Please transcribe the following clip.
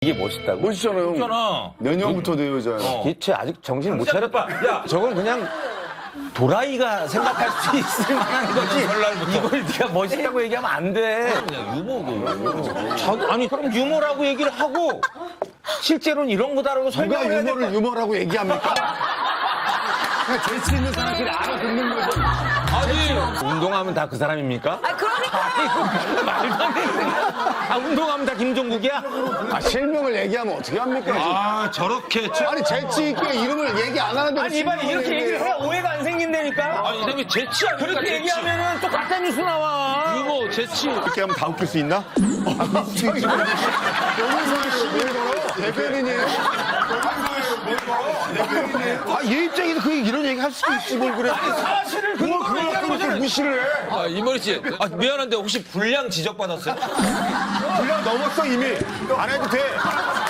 이게 멋있다고? 멋있잖아요. 있잖아. 내년부터 내 여자야. 대체 아직 정신 못 차렸다. 야, 저건 그냥 도라이가 생각할 수 있을 만한 거지. 이걸 네가 멋있다고 얘기하면 안 돼. 그냥 유머고. 아니 그럼 유머라고 얘기를 하고 실제로는 이런 거다라고 누가 설명을 해야 돼. 유머를 유머라고 얘기합니까? 그냥 재치 있는 사람끼리 알아듣는 거죠. 아니, 운동하면 다 그 사람입니까? 아, 그러니까. 이거 말도 안 되는 아, 운동하면 다 김종국이야? 아, 실명을 얘기하면 어떻게 합니까? 아, 저렇게. 아니, 재치 있게 이름을 얘기 안 하는데. 아니 이봐 이렇게 얘기를 해야 오해가 안 생긴다니까? 아니, 이름이 재치 아닙니까? 그렇게 재치. 얘기하면은 또 가짜 뉴스 나와. 유머, 재치. 이렇게 하면 다 웃길 수 있나? 대변인이에요. 아, 얘 입장에서 이런 얘기 할 수도 있지 뭘 그래. 사실을 그걸 그걸 무시를 해. 아, 이머리 씨. 아, 미안한데 혹시 불량 지적받았어요? 분량 넘었어, 이미. 안 해도 돼.